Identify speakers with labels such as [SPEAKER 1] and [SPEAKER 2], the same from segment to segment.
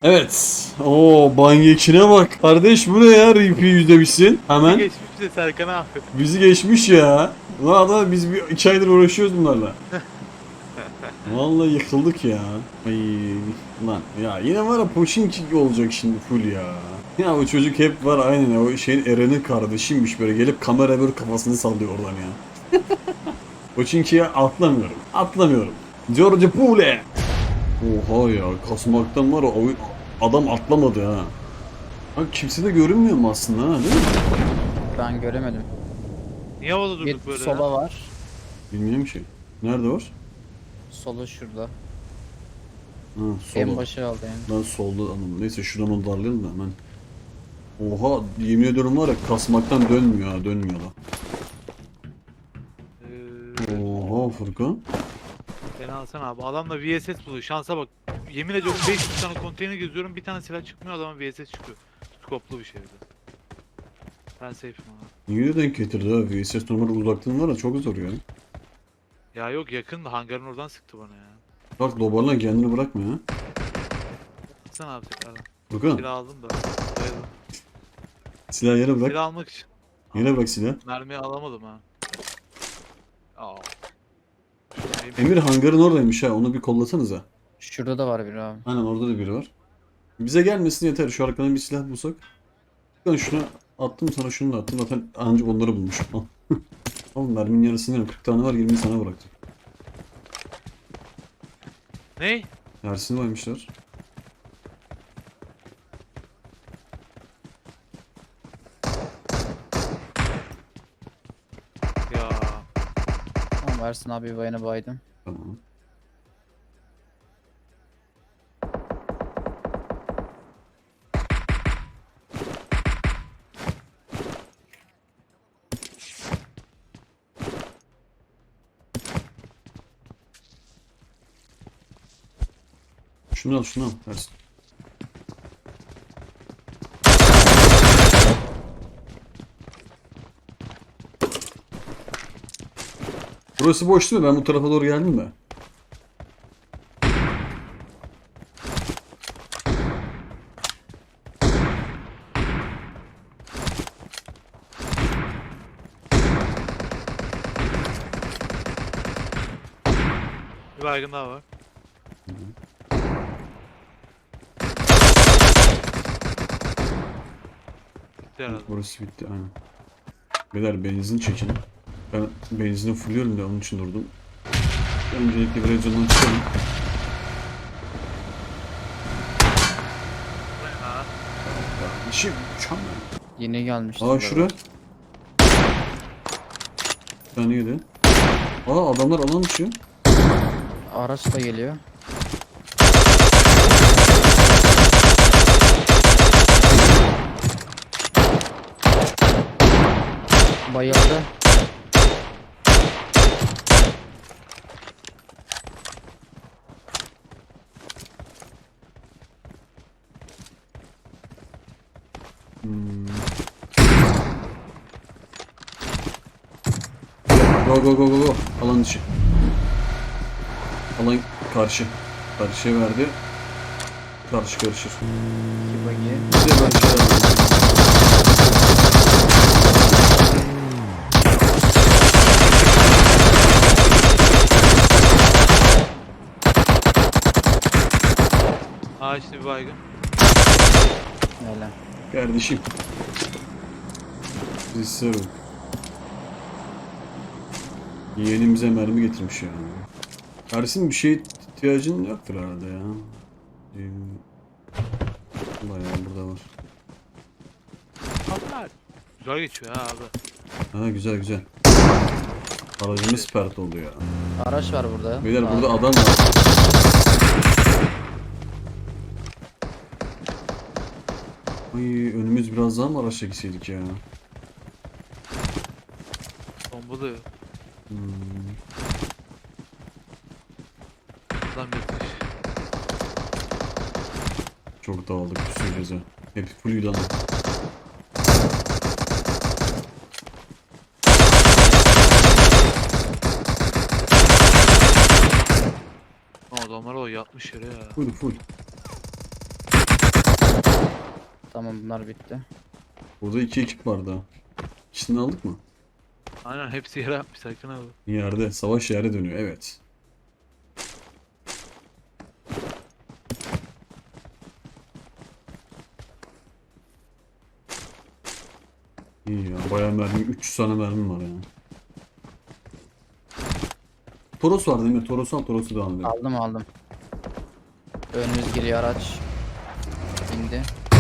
[SPEAKER 1] Evet. Oo Banyekine bak. Kardeş bu ne ya? RP yüzdemişsin. Hemen
[SPEAKER 2] Geçmiş de Serkan abi.
[SPEAKER 1] bizi geçmiş ya. Ulan adam biz bir 2 aydır uğraşıyoruz bunlarla. Vallahi yıkıldık ya. Ay lan ya yine var ya Pochinki olacak şimdi full ya. Ya o çocuk hep var aynen o şeyin Eren'in kardeşiymiş böyle gelip kamera böyle kafasını sallıyor oradan ya. Pochinki'ye atlamıyorum. Atlamıyorum. George Pule. Oha ya kasmaktan var ya adam atlamadı ha. Bak kimse de görünmüyor mu aslında ha değil mi?
[SPEAKER 3] Ben göremedim.
[SPEAKER 2] Niye havada
[SPEAKER 3] Bir
[SPEAKER 2] durduk böyle
[SPEAKER 3] sola
[SPEAKER 2] ya?
[SPEAKER 3] var.
[SPEAKER 1] Bilmiyorum ki. Nerede var?
[SPEAKER 3] Solu şurada.
[SPEAKER 1] Ha
[SPEAKER 3] En
[SPEAKER 1] solda.
[SPEAKER 3] başı aldı yani.
[SPEAKER 1] Ben solda anladım. Neyse şuradan onu darlayalım da hemen. Oha yemin ediyorum var ya kasmaktan dönmüyor ha dönmüyor da. Oha Furkan.
[SPEAKER 2] Beni alsana abi. Adamla VSS buluyor. Şansa bak. Yemin ediyorum 500 tane konteyner geziyorum. Bir tane silah çıkmıyor, adama VSS çıkıyor. Skoplu bir şey bir de. Ben safe'im abi.
[SPEAKER 1] Niye denk getirdi ha? VSS normal uzaklığın var ya çok zor ya.
[SPEAKER 2] Ya yok, yakın da hangarın oradan sıktı bana ya.
[SPEAKER 1] Bak dobarlan kendini bırakma ya.
[SPEAKER 2] Sen abi tekrardan.
[SPEAKER 1] Furkan
[SPEAKER 2] Silah aldım da. Bayıldım.
[SPEAKER 1] silah yere bırak.
[SPEAKER 2] Silah almak için.
[SPEAKER 1] Yere bırak silah.
[SPEAKER 2] Mermiyi alamadım ha. Aa.
[SPEAKER 1] Emir hangarın oradaymış ha onu bir kollasanıza.
[SPEAKER 3] Şurada da var biri abi.
[SPEAKER 1] Aynen orada da biri var. Bize gelmesin yeter şu arkadan bir silah bulsak. Ben şunu attım sana şunu da attım zaten ancak onları bulmuşum. Al. Oğlum merminin yarısını yerim 40 tane var 20 sana bıraktım.
[SPEAKER 2] Ne?
[SPEAKER 1] Yarısını koymuşlar.
[SPEAKER 2] Ya.
[SPEAKER 3] Tamam Ersin abi bayana baydım.
[SPEAKER 1] Tamam. Şunu al şunu al. Versin. Burası boş değil mi? Ben bu tarafa doğru geldim de.
[SPEAKER 2] Bir baygın daha var. Bitti herhalde.
[SPEAKER 1] Burası bitti aynen. Beyler benzin çekin. Ben benzini fulluyorum da onun için durdum. Öncelikle biraz canını çıkalım.
[SPEAKER 2] Ha.
[SPEAKER 1] Kardeşim mükemmel.
[SPEAKER 3] Yeni gelmişti.
[SPEAKER 1] Aa şura. Bir tane yedi. Aa adamlar alan dışı.
[SPEAKER 3] Araç da geliyor. Bayıldı.
[SPEAKER 1] Go go go go go. Alan dışı. Alan karşı. Karşıya verdi. Karşı karışır.
[SPEAKER 3] İki bagi.
[SPEAKER 1] Bir de ben şey alayım.
[SPEAKER 2] Aa işte bir baygın.
[SPEAKER 3] Öyle.
[SPEAKER 1] Kardeşim. Bizi sarıl. Yeğenimize mermi getirmiş ya. Ersin bir şey ihtiyacın yoktur herhalde ya. Bayağı burada var.
[SPEAKER 2] Haber. Güzel geçiyor ha abi.
[SPEAKER 1] Ha güzel güzel. Aracımız pert oldu ya.
[SPEAKER 3] Araç var burada.
[SPEAKER 1] Beyler
[SPEAKER 3] Abi.
[SPEAKER 1] burada adam var. Ay önümüz biraz daha mı araçla gitseydik ya?
[SPEAKER 2] Bombalıyor.
[SPEAKER 1] Hmm.
[SPEAKER 2] Adam yetmiş.
[SPEAKER 1] Çok dağıldık bir sürü göze. Hep fullüydü ama.
[SPEAKER 2] Adamlar o yatmış yere ya.
[SPEAKER 1] Full full.
[SPEAKER 3] Tamam bunlar bitti.
[SPEAKER 1] Burada 2 ekip vardı. İkisini aldık mı?
[SPEAKER 2] Aynen hepsi yere atmış Serkan abi.
[SPEAKER 1] Yerde. Savaş yere dönüyor. Evet. İyi ya. Bayağı mermi. 300 tane mermim var ya. Toros var değil mi? Toros'u al. Toros'u devam edelim.
[SPEAKER 3] Aldım. Önümüz giriyor araç. İndi.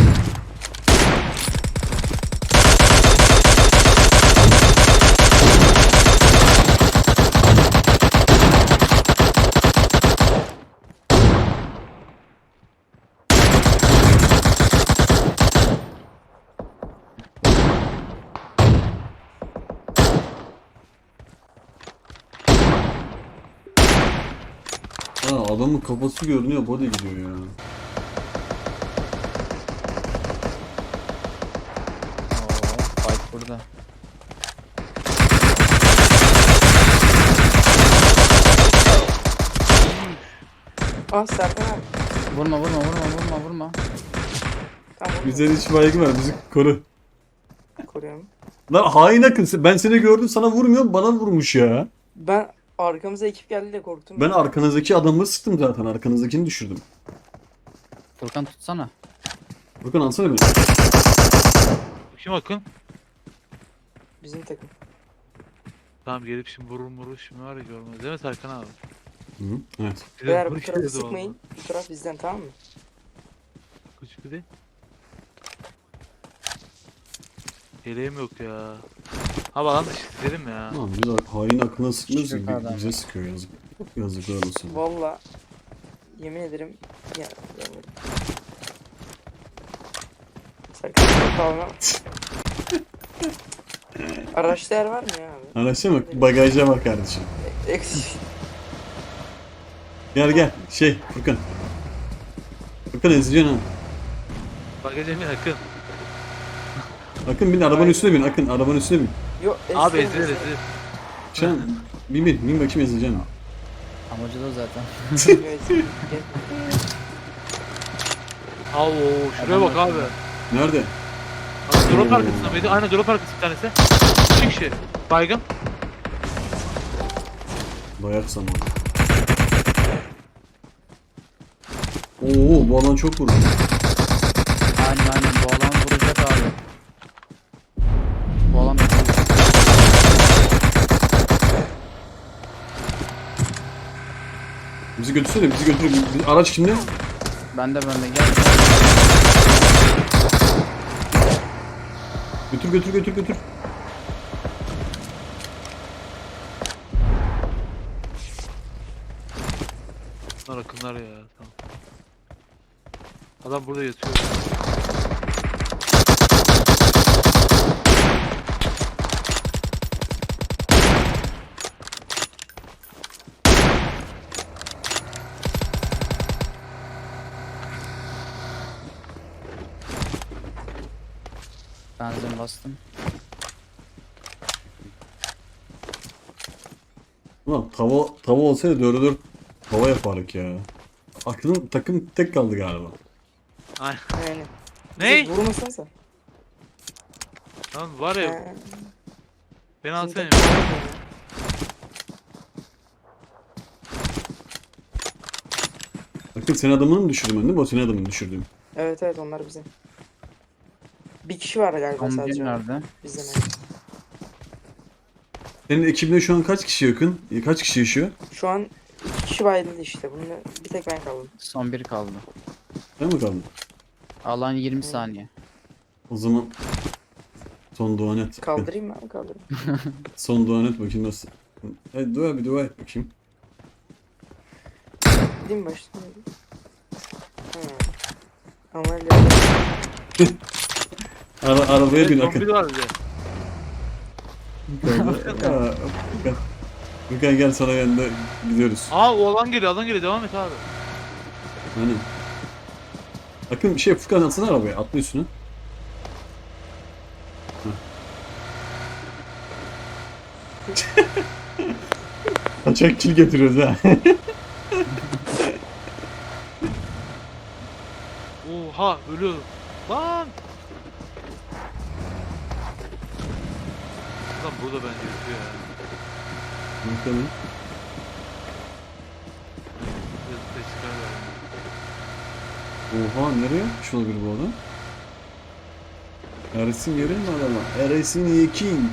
[SPEAKER 1] Aa, adamın kafası görünüyor. Body gidiyor ya.
[SPEAKER 3] Oo, fight burada.
[SPEAKER 4] Ah Serkan abi.
[SPEAKER 3] Vurma.
[SPEAKER 4] Tamam.
[SPEAKER 1] Güzel iş baygı var. Bizi koru.
[SPEAKER 4] Koruyorum.
[SPEAKER 1] Lan hain akın. Ben seni gördüm. Sana vurmuyorum. Bana vurmuş ya.
[SPEAKER 4] Ben arkamıza ekip geldi de korktum.
[SPEAKER 1] Ben arkanızdaki adamı sıktım zaten. Arkanızdakini düşürdüm.
[SPEAKER 3] Furkan tutsana.
[SPEAKER 1] Furkan alsana beni.
[SPEAKER 2] Kim Akın?
[SPEAKER 4] Bizim takım.
[SPEAKER 2] Tamam gelip şimdi vurur şimdi var ya görmez değil mi Serkan abi?
[SPEAKER 1] Hı -hı. Evet.
[SPEAKER 2] Bize
[SPEAKER 4] Beyler bu
[SPEAKER 2] vur
[SPEAKER 4] tarafı
[SPEAKER 2] işledi
[SPEAKER 4] sıkmayın. Bu taraf bizden tamam mı?
[SPEAKER 2] vallahi. Küçük bir de. Yeleğim yok ya. Abi alan dışı istedim ya.
[SPEAKER 1] Tamam biz hain aklına sıkmıyoruz ki
[SPEAKER 3] Şaka adam.
[SPEAKER 1] bize sıkıyor yazık. Yazıklar olsun.
[SPEAKER 4] Valla yemin ederim ya görmedim. Serkan çok kalma. Araçta yer var mı ya abi?
[SPEAKER 1] Araçta bak bagaja bak kardeşim.
[SPEAKER 4] Eksik.
[SPEAKER 1] Gel Furkan. Furkan ezeceksin ha.
[SPEAKER 2] Bagaja bir Akın.
[SPEAKER 1] Akın bin arabanın üstüne bin Akın arabanın üstüne bin.
[SPEAKER 4] Yok
[SPEAKER 2] Abi
[SPEAKER 4] ezilir,
[SPEAKER 2] ezilir
[SPEAKER 4] ezilir.
[SPEAKER 2] ezilir.
[SPEAKER 1] Sen bin bakayım ezeceksin.
[SPEAKER 3] Amacı da o zaten.
[SPEAKER 4] Evet, gel.
[SPEAKER 2] Oo şuraya bak abi.
[SPEAKER 1] Nerede?
[SPEAKER 2] Abi drop arkasında mıydı? Aynen drop arkası bir tanesi. 2 kişi. Baygın.
[SPEAKER 1] Dayak zamanı. Oo bu alan çok vurdu.
[SPEAKER 3] Aynen bu alan vuracak abi. Bu alan
[SPEAKER 1] Bizi götürsene bizi götür. Araç kimde?
[SPEAKER 3] bende gel.
[SPEAKER 1] Götür.
[SPEAKER 2] Bunlar Akınlar ya. Tamam. Adam burada yatıyor.
[SPEAKER 3] Benzin bastım.
[SPEAKER 1] Ulan tava olsaydı 4'e 4 tava yapardık ya. Aklın takım tek kaldı galiba.
[SPEAKER 2] Aynen.
[SPEAKER 4] Aynen.
[SPEAKER 2] Ney?
[SPEAKER 4] Vurmasanıza.
[SPEAKER 2] Lan var ya.
[SPEAKER 4] Ha,
[SPEAKER 2] Beni
[SPEAKER 4] bizim
[SPEAKER 2] alsana.
[SPEAKER 4] takım var ya.
[SPEAKER 1] Akın senin adamını mı düşürdüm ben değil mi? O senin adamını düşürdüm.
[SPEAKER 4] Evet onlar bizim. Bir kişi var galiba
[SPEAKER 3] Tam bir
[SPEAKER 4] sadece.
[SPEAKER 3] nerede?
[SPEAKER 4] Bizden evet.
[SPEAKER 1] Senin ekibinde şu an kaç kişi yakın? Kaç kişi yaşıyor?
[SPEAKER 4] Şu an 2 kişi bayıldı işte. Bununla bir tek ben kaldım.
[SPEAKER 3] Son bir kaldı.
[SPEAKER 1] Ben mi kaldım?
[SPEAKER 3] Alan 20 saniye.
[SPEAKER 1] O zaman son dua et.
[SPEAKER 4] Kaldırayım mı abi kaldırayım.
[SPEAKER 1] Son dua et bakayım nasıl. Bir dua et bakayım.
[SPEAKER 4] Gideyim başlayayım. Ameliyat.
[SPEAKER 1] Arabaya bin Akın.
[SPEAKER 2] Zombi var bir de.
[SPEAKER 1] Furkan gel sana yanında gidiyoruz.
[SPEAKER 2] Aa o alan geliyor devam et abi.
[SPEAKER 1] Hani. Akın Furkan atsana arabaya atla üstüne. Kaçak kill getiriyoruz ha.
[SPEAKER 2] Oha ölüyor. Lan! Lan burada bence yatıyor ya.
[SPEAKER 1] Bakalım.
[SPEAKER 2] Yazıkta çıkar galiba.
[SPEAKER 1] Oha nereye yapmış olabilir bu adam? Ersin görüyor musun adama? Ersin Yekin.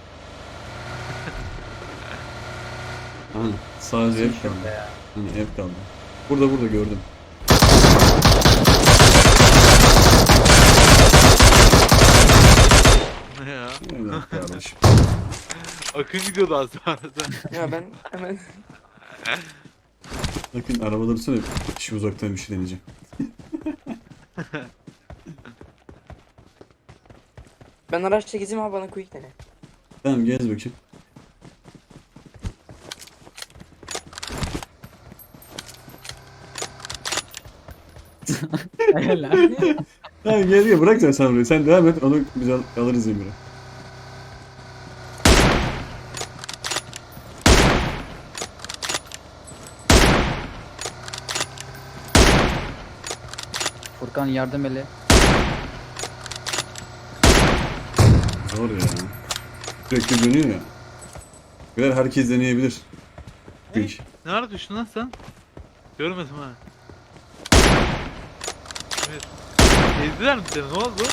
[SPEAKER 1] Hani sadece ev kaldı. Hani ev kaldı. Burada gördüm.
[SPEAKER 2] Ne ya?
[SPEAKER 1] Evet kardeşim.
[SPEAKER 2] Akın gidiyordu az arada.
[SPEAKER 4] Ya ben hemen
[SPEAKER 1] Bakın araba dursana şu uzaktan bir şey deneyeceğim.
[SPEAKER 4] ben araçla gezeyim abi, bana quick dene.
[SPEAKER 1] Tamam gez bakayım.
[SPEAKER 3] Helal.
[SPEAKER 1] Tamam gel bırak sen burayı. Sen devam et onu biz alırız Emir'e.
[SPEAKER 3] Furkan yardım ele.
[SPEAKER 1] Zor ya. Sürekli dönüyor ya. Birer herkes deneyebilir. Quick.
[SPEAKER 2] Ne ara düştün lan sen? Görmedim ha. Evet. Ezdiler mi seni? Ne oldu?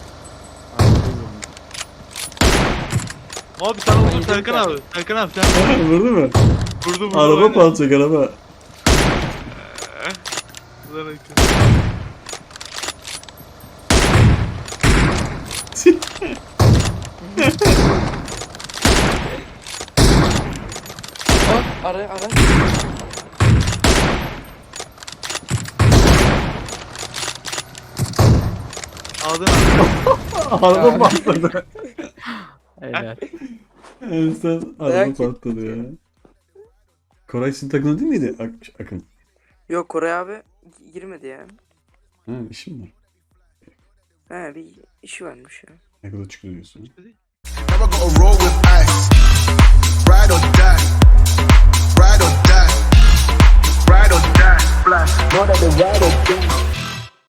[SPEAKER 2] Abi sen vurdun Serkan abi. Serkan abi sen
[SPEAKER 1] Ha, vurdu mu?
[SPEAKER 2] vurdun
[SPEAKER 1] Araba
[SPEAKER 2] aynen.
[SPEAKER 1] patlayacak araba.
[SPEAKER 2] Lan Akın.
[SPEAKER 4] Ara.
[SPEAKER 2] Aldın abi.
[SPEAKER 1] Araba patladı.
[SPEAKER 3] Helal.
[SPEAKER 1] En son araba
[SPEAKER 4] Dayak
[SPEAKER 1] patladı ya. Koray sizin takımda değil miydi Akın?
[SPEAKER 4] Yok, Koray abi girmedi ya.
[SPEAKER 1] Ha işim var.
[SPEAKER 4] He, bir işi varmış ya.
[SPEAKER 1] Ne kadar çıkıyor diyorsun?
[SPEAKER 5] Never gotta roll with ice. Ride or die. Ride or die. Ride or die. Flash. Know that the ride or